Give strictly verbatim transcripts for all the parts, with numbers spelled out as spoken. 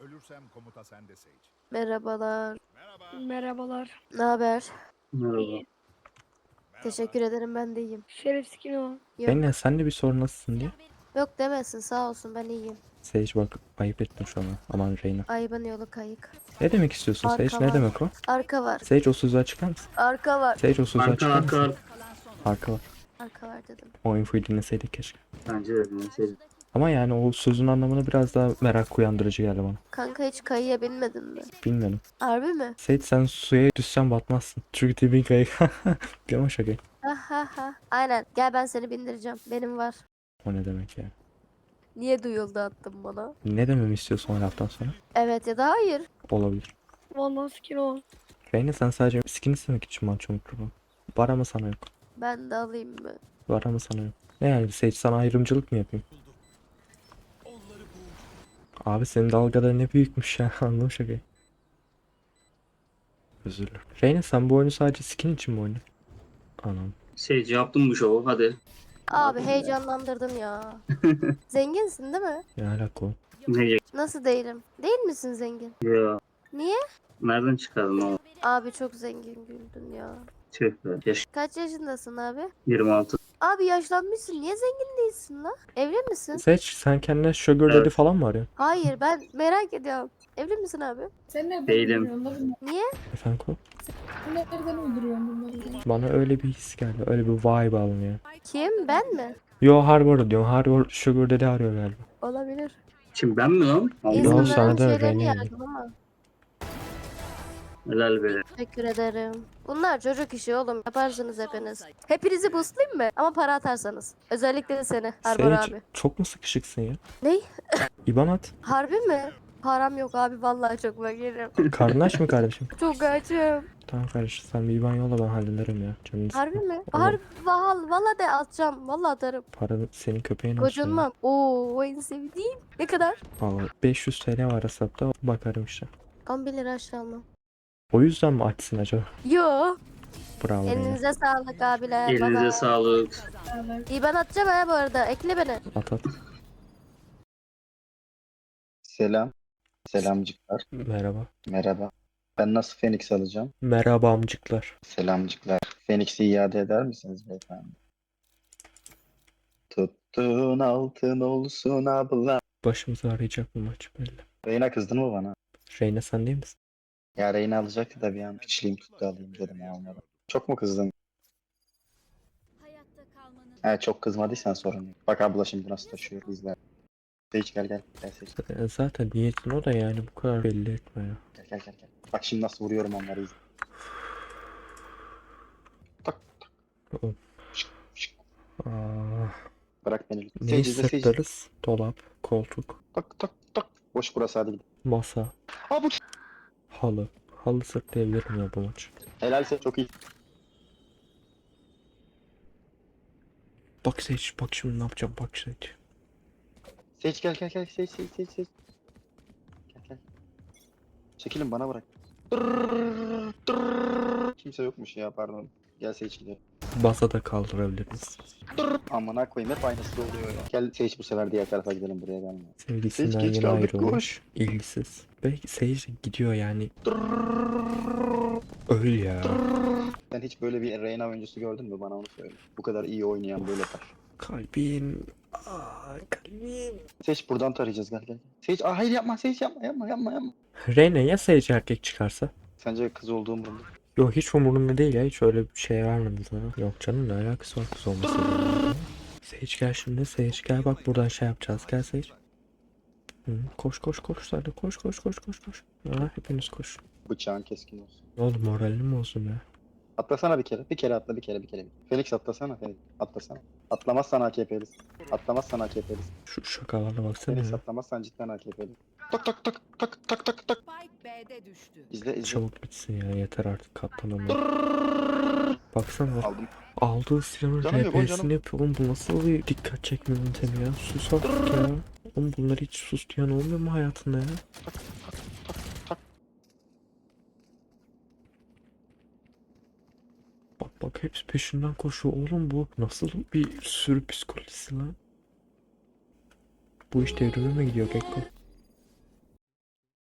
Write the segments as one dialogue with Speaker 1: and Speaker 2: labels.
Speaker 1: Ölürsem komuta sende Sage.
Speaker 2: Merhabalar.
Speaker 1: Merhaba.
Speaker 3: Merhabalar.
Speaker 2: Ne haber?
Speaker 4: Merhaba.
Speaker 3: İyi.
Speaker 2: Teşekkür ederim, ben de iyiyim.
Speaker 3: Şeref skin o.
Speaker 2: Yok,
Speaker 5: Benle sen de bir sorun nasılsın diye.
Speaker 2: yok demesin, sağ olsun, ben iyiyim.
Speaker 5: Sage bak ayıp ettin şu an. Aman Reyna.
Speaker 2: Ayıbın yolu kayık.
Speaker 5: Ne demek istiyorsun
Speaker 2: Arka
Speaker 5: Sage? Ne
Speaker 2: var.
Speaker 5: demek o?
Speaker 2: Arka var.
Speaker 5: Sage o sözü açıklar mısın?
Speaker 2: Arka var.
Speaker 5: Sage o sözü
Speaker 4: Arka
Speaker 5: açıklar
Speaker 4: arka
Speaker 5: mısın?
Speaker 4: arka.
Speaker 5: Arka var.
Speaker 2: Arka var dedim.
Speaker 5: O infoyu dinleseydik keşke.
Speaker 4: Bence de neyse.
Speaker 5: Ama yani o sözün anlamını biraz daha merak uyandırıcı geldi bana.
Speaker 2: Kanka hiç kayıya binmedin mi?
Speaker 5: Bilmiyorum.
Speaker 2: Harbi mi?
Speaker 5: Sage sen suya düşsen batmazsın. Çünkü tipin kayık. Gama şaka.
Speaker 2: Ha ha ha. Aynen, gel ben seni bindireceğim. Benim var.
Speaker 5: O ne demek ya?
Speaker 2: Niye duyuldu attın bana?
Speaker 5: Ne dememi istiyorsun o laftan sonra?
Speaker 2: Evet ya da hayır.
Speaker 5: Olabilir.
Speaker 3: Vallahi skin o.
Speaker 5: Reyna sen sadece skin istemek için mi açıyorsun mikrofonu? Var ama sana yok.
Speaker 2: Ben de alayım mı?
Speaker 5: Var ama sana yok. Ne yani Sage sana ayrımcılık mı yapayım? Abi senin dalgaları ne büyükmüş ya, anladım şakayı. Özür dilerim. Reyna sen bu oyunu sadece skin için mi oynuyorsun? Anam.
Speaker 4: Şey yaptım bu şovu hadi.
Speaker 2: Abi heyecanlandırdın ya. Zenginsin değil mi?
Speaker 5: Ne alaka o?
Speaker 4: Ne
Speaker 2: Nasıl değilim? Değil misin zengin?
Speaker 4: ya?
Speaker 2: Niye?
Speaker 4: Nereden çıkardın o?
Speaker 2: Abi çok zengin güldün ya.
Speaker 4: Tüh be. Yaş
Speaker 2: Kaç yaşındasın abi?
Speaker 4: yirmi altı.
Speaker 2: Abi yaşlanmışsın. Niye zengin değilsin la? Evli misin?
Speaker 5: Sage sen kendine sugar daddy
Speaker 4: Evet.
Speaker 5: falan mı arıyorsun?
Speaker 2: Hayır, ben merak ediyorum. Evli misin abi?
Speaker 6: Sen nereden
Speaker 4: Değilim.
Speaker 6: uyduruyorsun la bunları?
Speaker 2: Niye?
Speaker 5: Efendim ko?
Speaker 6: Sen nereden uyduruyorsun bunları?
Speaker 5: Bana öyle bir his geldi. Öyle bir vibe alın ya.
Speaker 2: Kim? Ben mi?
Speaker 5: Yo Harvard diyorum. Harvard sugar daddy arıyor galiba.
Speaker 2: Olabilir.
Speaker 4: Şimdi ben mi lan? Allah
Speaker 5: Yo,
Speaker 2: İnsanların
Speaker 5: sana da
Speaker 2: şeylerini
Speaker 5: Reyna
Speaker 2: yargılama.
Speaker 4: helal be.
Speaker 2: Teşekkür ederim. Bunlar çocuk işi oğlum. Yaparsınız hepiniz. Hepinizi boostlayayım mı? Ama para atarsanız. Özellikle de seni. Harbor
Speaker 5: Sage
Speaker 2: abi.
Speaker 5: çok mu sıkışıksın ya?
Speaker 2: Ney?
Speaker 5: İban at.
Speaker 2: Harbi mi? Param yok abi, vallahi çok fakirim.
Speaker 5: Karnın aç mı kardeşim?
Speaker 2: Çok açım.
Speaker 5: Tamam kardeşim sen bir İban yolla, ben hallederim ya. Canını
Speaker 2: Harbi
Speaker 5: sıkma.
Speaker 2: mi?
Speaker 5: Oğlum,
Speaker 2: Harbi val, valla de atacağım. Valla atarım.
Speaker 5: para senin köpeğin olsun ya.
Speaker 2: Gocunmam. Oo, en sevdiğim. Ne kadar?
Speaker 5: Valla beş yüz T L var hesapta, bakarım işte.
Speaker 2: on bir lira aşağı almam.
Speaker 5: O yüzden mi açsın acaba?
Speaker 2: Yo.
Speaker 5: Bravo Reyna.
Speaker 2: Elinize sağlık abiler.
Speaker 4: Elinize
Speaker 2: Baba.
Speaker 4: sağlık.
Speaker 2: İyi, ben atacağım ha bu arada. Ekle beni.
Speaker 5: At at.
Speaker 7: Selam. Selamcıklar.
Speaker 5: Merhaba.
Speaker 7: Merhaba. Ben nasıl Phoenix alacağım?
Speaker 5: Merhaba amcıklar.
Speaker 7: Selamcıklar. Phoenix'i iade eder misiniz beyefendi? Tuttuğun altın olsun abla.
Speaker 5: Başımızı arayacak bu maç belli.
Speaker 7: Reyna kızdın mı bana?
Speaker 5: Reyna sen değil misin?
Speaker 7: Ya Reyna alacaktı da bir an piçliğim tuttu alayım dedim ya onları. Çok mu kızdın? He çok kızmadıysan sorun yok. Bak abla şimdi nasıl taşıyor izler. Hiç gel gel. Gel seç.
Speaker 5: E, Zaten niyetin o da, yani bu kadar belli etme ya.
Speaker 7: Gel gel gel. gel. Bak şimdi nasıl vuruyorum onları izle. Tak tak.
Speaker 5: Oğlum.
Speaker 7: Şık, şık.
Speaker 5: Aa,
Speaker 7: Bırak beni lütfen.
Speaker 5: neyi
Speaker 7: Seyirci izle seyirci.
Speaker 5: sırtlarız? Dolap, koltuk,
Speaker 7: Tak tak tak. Boş burası hadi gidelim.
Speaker 5: masa,
Speaker 7: Aa bu
Speaker 5: halı. Halı sırtlayabilirim ya bu maç.
Speaker 7: helalse çok iyi.
Speaker 5: Bak Sage, bak şimdi ne yapacağım, bak Sage.
Speaker 7: Seç gel gel gel seç seç seç seç. Gel gel. Çekilin bana bırak. Tırrrr, tırrrr. Kimse yokmuş ya pardon. Gel seç gidelim.
Speaker 5: Masa da kaldırabiliriz.
Speaker 7: Amına koyayım hep aynısı oluyor ya. Gel seç bu sefer diğer tarafa gidelim buraya gelme.
Speaker 5: Sevgilisinden
Speaker 7: Sage geç
Speaker 5: yeni
Speaker 7: kaldık,
Speaker 5: ayrılmış.
Speaker 7: koş.
Speaker 5: İlgisiz. Belki Sage gidiyor yani. Öl ya.
Speaker 7: Sen hiç böyle bir Reyna oyuncusu gördün mü bana onu söyle. Bu kadar iyi oynayan böyle yapar.
Speaker 5: Kalbim. Aa, kalbim.
Speaker 7: Seç buradan tarayacağız gel gel. Seç aa hayır yapma seç yapma yapma yapma yapma.
Speaker 5: Reyna ya Sage erkek çıkarsa?
Speaker 7: Sence kız olduğum umurumda.
Speaker 5: Yok hiç umurumda değil ya, hiç öyle bir şey vermedim sana. Yok canım, ne alakası var kız olmasıyla. Sage gel şimdi, Sage gel, bak buradan şey yapacağız, gel Sage. Hı, koş koş koş hadi, koş koş koş koş koş. Ha, hepiniz koş.
Speaker 7: Bıçağın keskin olsun.
Speaker 5: Oğlum moralin mi olsun ya?
Speaker 7: Atlasana bir kere. Bir kere atla bir kere bir kere. Felix atlasana Felix. Atlasana. Atlamazsan A K P'lisin. Atlamazsan A K P'lisin.
Speaker 5: Şu şakalarına baksana
Speaker 7: Felix
Speaker 5: ya.
Speaker 7: atlamazsan cidden A K P'lisin. Tak tak tak tak tak tak tak.
Speaker 8: Spike B'de düştü.
Speaker 7: İzle izle.
Speaker 5: Çabuk bitsin ya, yeter artık katlanamıyorum. Baksana bak.
Speaker 7: Aldım.
Speaker 5: Aldığı silahın
Speaker 7: Canım yok, o canım.
Speaker 5: R P'sini yapıyor. Oğlum bu nasıl bir dikkat çekme yöntemi ya? Sus artık ya. Oğlum bunları hiç sus diyen olmuyor mu hayatında ya? Bak bak hepsi peşinden koşuyor. Oğlum bu nasıl bir sürü psikolojisi lan? Bu iş devrime mi gidiyor Gekko?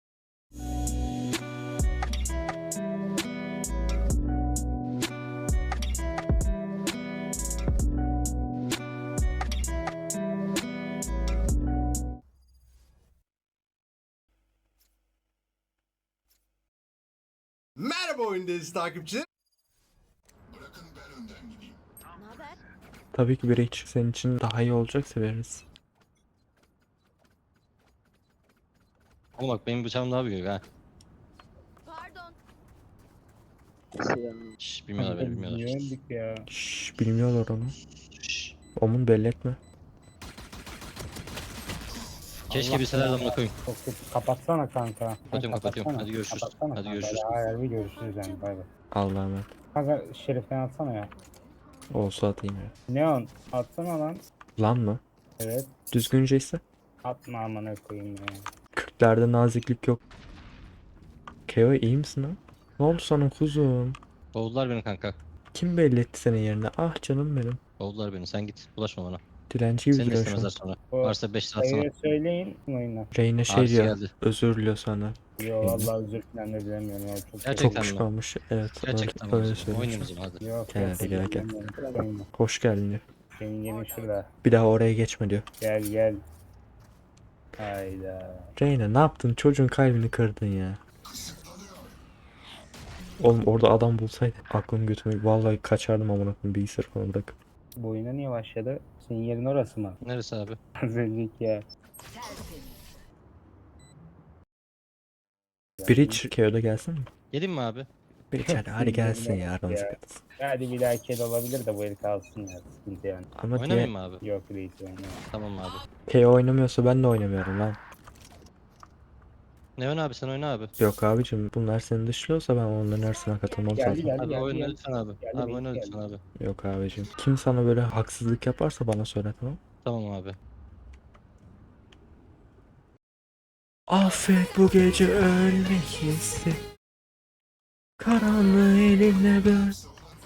Speaker 1: Merhaba oyundayız takipçi.
Speaker 5: Tabii ki biri için senin için daha iyi olacaksa veririz.
Speaker 8: Oğlum bak benim bıçağım daha büyük ha.
Speaker 2: Pardon.
Speaker 8: Şşş bilmiyorlar beni bilmiyorlar.
Speaker 9: ya.
Speaker 5: Şşş bilmiyorlar onu.
Speaker 8: Şşş.
Speaker 5: Omun belli etme.
Speaker 8: Keşke bilseler de amına koyayım.
Speaker 9: Çok kötü. Kapatsana kanka.
Speaker 8: Kapatıyorum kapatıyorum. Hadi görüşürüz.
Speaker 9: Kapatsana
Speaker 8: Hadi
Speaker 9: kanka.
Speaker 8: görüşürüz.
Speaker 9: Hayır bir görüşürüz yani bay bay.
Speaker 5: Allah'a emanet.
Speaker 9: Kanka şeriften atsana ya.
Speaker 5: Olsa atayım ya.
Speaker 9: Neon atsana lan.
Speaker 5: Lan mı?
Speaker 9: Evet.
Speaker 5: Düzgünce ise.
Speaker 9: Atma amına koyayım ya.
Speaker 5: Kırklarda naziklik yok. Keo iyi misin lan? Ne oldu sana kuzum?
Speaker 8: Kovdular beni kanka.
Speaker 5: Kim belli etti senin yerine? Ah canım benim.
Speaker 8: Kovdular beni. Sen git. Bulaşma bana.
Speaker 5: Dilenci gibi
Speaker 8: Seni de
Speaker 5: duruyor şu
Speaker 8: istemezler
Speaker 5: an.
Speaker 8: sonra.
Speaker 9: O
Speaker 8: Varsa beş lira atsana.
Speaker 9: sayıyı söyleyin oyuna.
Speaker 5: Reyne şey
Speaker 8: Abisi
Speaker 5: diyor.
Speaker 8: geldi.
Speaker 5: Özür diliyor senden.
Speaker 9: Yo vallahi özür falan da dilemiyorum ya. Çok
Speaker 8: Gerçekten
Speaker 5: Çok
Speaker 8: mi?
Speaker 5: pişmanmış. Evet.
Speaker 8: Gerçekten
Speaker 5: öyle, öyle
Speaker 8: mi?
Speaker 5: söyleyeyim.
Speaker 8: Oynayalım o zaman hadi.
Speaker 9: Yok
Speaker 5: Gel
Speaker 9: yok,
Speaker 5: hadi, gel, gel.
Speaker 9: dilemiyorum. Oyna.
Speaker 5: Hoş geldin diyor.
Speaker 9: Senin yerin şurada.
Speaker 5: Bir daha oraya geçme diyor.
Speaker 9: Gel gel. Hayda.
Speaker 5: Reyne ne yaptın? Çocuğun kalbini kırdın ya. Oğlum orada adam bulsaydı aklım götümü vallahi kaçardım amına koyayım bilgisayarı falan bırak.
Speaker 9: Bu oyuna niye başladı? Senin yerin orası mı?
Speaker 8: Neresi abi?
Speaker 9: Az önceki ya.
Speaker 5: Bridge Keo'da gelsin mi?
Speaker 8: Gelin mi abi?
Speaker 5: Bridge hadi, hadi gelsin ya aramıza
Speaker 9: Ya.
Speaker 5: katırsın.
Speaker 9: Hadi bir dahaki el olabilir de bu el kalsın ya. Sıkıntı yani.
Speaker 5: Ama diye
Speaker 8: Oynamayayım mı abi?
Speaker 9: Yok reis oynama.
Speaker 8: Tamam abi.
Speaker 5: Keo oynamıyorsa ben de oynamıyorum lan.
Speaker 8: Ne oyna abi sen oyna abi.
Speaker 5: Yok abicim bunlar seni dışlıyorsa ben onların arasına katılmam
Speaker 9: Geldi,
Speaker 5: zaten.
Speaker 9: geldi.
Speaker 8: Abi oyna
Speaker 9: geldi.
Speaker 8: lütfen abi.
Speaker 9: Geldi,
Speaker 8: Abi
Speaker 9: reis
Speaker 8: oyna
Speaker 9: geldi.
Speaker 8: lütfen abi.
Speaker 5: Yok abicim. Kim sana böyle haksızlık yaparsa bana söyle tamam.
Speaker 8: Tamam abi.
Speaker 5: Affet bu gece ölmek hissi. Karanlığı elinle böl.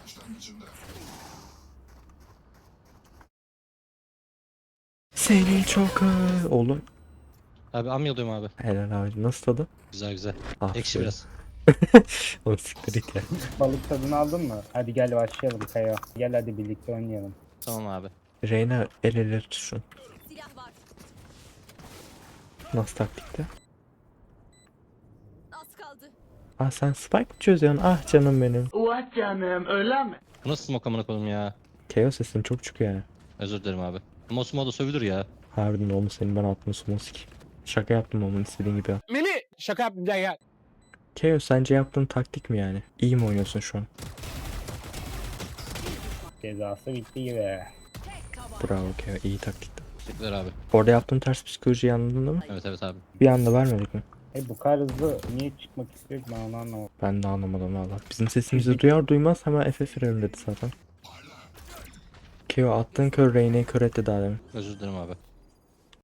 Speaker 5: Seni çok ö... Oğlum.
Speaker 8: Abi am yalıyorum abi.
Speaker 5: Helal abicim nasıl tadı?
Speaker 8: Güzel güzel.
Speaker 5: Ah,
Speaker 8: Ekşi biraz.
Speaker 5: O siktir it ya.
Speaker 9: Balık tadını aldın mı? Hadi gel başlayalım Kaya. Gel hadi birlikte oynayalım.
Speaker 8: Tamam abi.
Speaker 5: Reyna el ele tutsun.
Speaker 2: Silah var.
Speaker 5: Nasıl taktikte?
Speaker 2: Az kaldı.
Speaker 5: Ah sen spike mi çözüyorsun? Ah canım benim.
Speaker 8: Bu nasıl smoke amına koyayım ya?
Speaker 5: Keo sesin çok çıkıyor yani.
Speaker 8: Özür dilerim abi. Ama o smoke da sövülür ya.
Speaker 5: Harbiden oğlum senin bana attığın smoke. Şaka yaptım onun istediğin gibi yap.
Speaker 9: Meli şaka yaptım gel gel.
Speaker 5: Keo sence yaptığın taktik mi yani? İyi mi oynuyorsun şu an?
Speaker 9: Cezası bitti gibi.
Speaker 5: Bravo Keo iyi taktikti.
Speaker 8: Teşekkürler abi.
Speaker 5: Orada yaptığın ters psikolojiyi anladın değil mi?
Speaker 8: Evet evet abi.
Speaker 5: Bir anda vermedik mi?
Speaker 9: E bu kadar hızlı niye çıkmak istiyor ki ben onu anlamadım.
Speaker 5: Ben de anlamadım valla. Bizim sesimizi duyar duymaz hemen F F verelim dedi zaten. Keo attığın kör Reyna'yı kör etti daha demin.
Speaker 8: Özür dilerim abi.